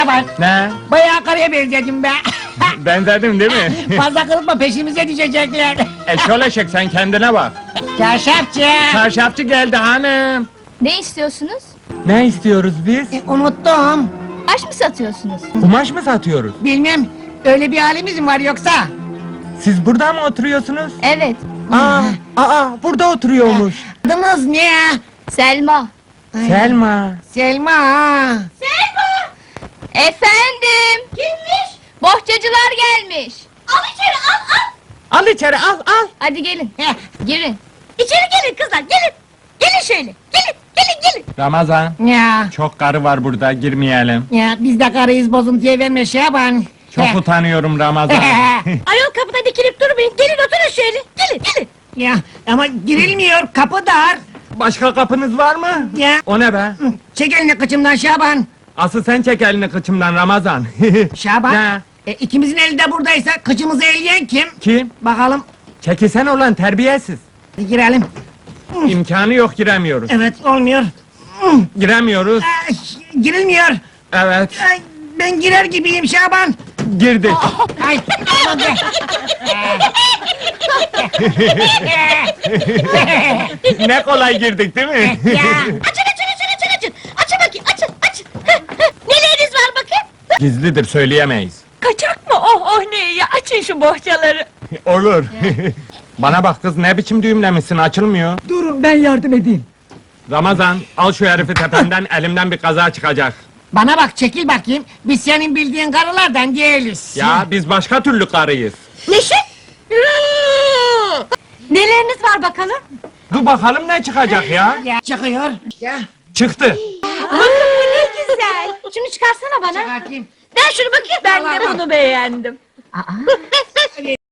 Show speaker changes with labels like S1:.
S1: Bak,
S2: Ne?
S1: bayağı karıya benzedim be.
S2: Benzedim değil mi?
S1: Fazla kılıkma, peşimize düşecekler.
S2: Eşol eşek sen kendine bak.
S1: Çarşafçı.
S2: Çarşafçı geldi hanım.
S3: Ne istiyorsunuz?
S2: Ne istiyoruz biz?
S1: Unuttum.
S3: Taş mı satıyorsunuz?
S2: Kumaş mı satıyoruz?
S1: Bilmem, öyle bir halimiz mi var yoksa?
S2: Siz burada mı oturuyorsunuz?
S3: Evet.
S2: Burada oturuyormuş.
S1: Adınız ne?
S3: Selma.
S2: Selma.
S1: Selma.
S3: Efendim? Kimmiş? Bohçacılar gelmiş. Al içeri al.
S2: Al içeri al.
S3: Hadi gelin.
S1: Heh,
S3: Girin.
S1: İçeri gelin kızlar, gelin. Gelin şöyle, gelin.
S2: Ramazan.
S1: Ya,
S2: Çok karı var burada girmeyelim.
S1: ya biz de karıyız, bozuntuya verme Şaban.
S2: Çok utanıyorum Ramazan.
S1: Ayol kapıda dikilip durmayın, gelin oturun şöyle, gelin. Ya, ama girilmiyor, kapı dar.
S2: Başka kapınız var mı?
S1: Ya,
S2: O ne be?
S1: çek elini kıçımdan Şaban.
S2: Asıl sen çek elini kıçımdan Ramazan.
S1: Şaban,
S2: Ne?
S1: ikimizin eli de buradaysa kıçımızı eleyen kim?
S2: Kim?
S1: Bakalım,
S2: Çekilsen olan terbiyesiz.
S1: girelim.
S2: İmkanı yok giremiyoruz.
S1: Evet, olmuyor.
S2: Giremiyoruz.
S1: Ay, girilmiyor.
S2: Evet.
S1: Ay, ben girer gibiyim Şaban.
S2: Girdik.
S1: Ay, aman be.
S2: Ne kolay girdik değil mi?
S1: Ya,
S4: Açın bakayım, açın. Neleriniz var bakayım?
S2: Gizlidir söyleyemeyiz.
S4: Kaçak mı? Oh ne ya, açın şu bohçaları.
S2: Olur. Bana bak kız ne biçim düğümlemişsin açılmıyor.
S5: Durun ben yardım edeyim.
S2: Ramazan al şu herifi tependen elimden bir kaza çıkacak.
S1: bana bak, çekil bakayım. Biz senin bildiğin karılardan değiliz.
S2: Ya biz başka türlü karıyız.
S4: Neşe? Neleriniz var bakalım?
S2: Dur bakalım ne çıkacak ya.
S1: Ya, çıkıyor. Ya,
S2: Çıktı.
S4: Bakın bu ne güzel. Şunu çıkarsana bana.
S1: çıkartayım.
S4: Ben şunu bakayım. Ben de bunu beğendim.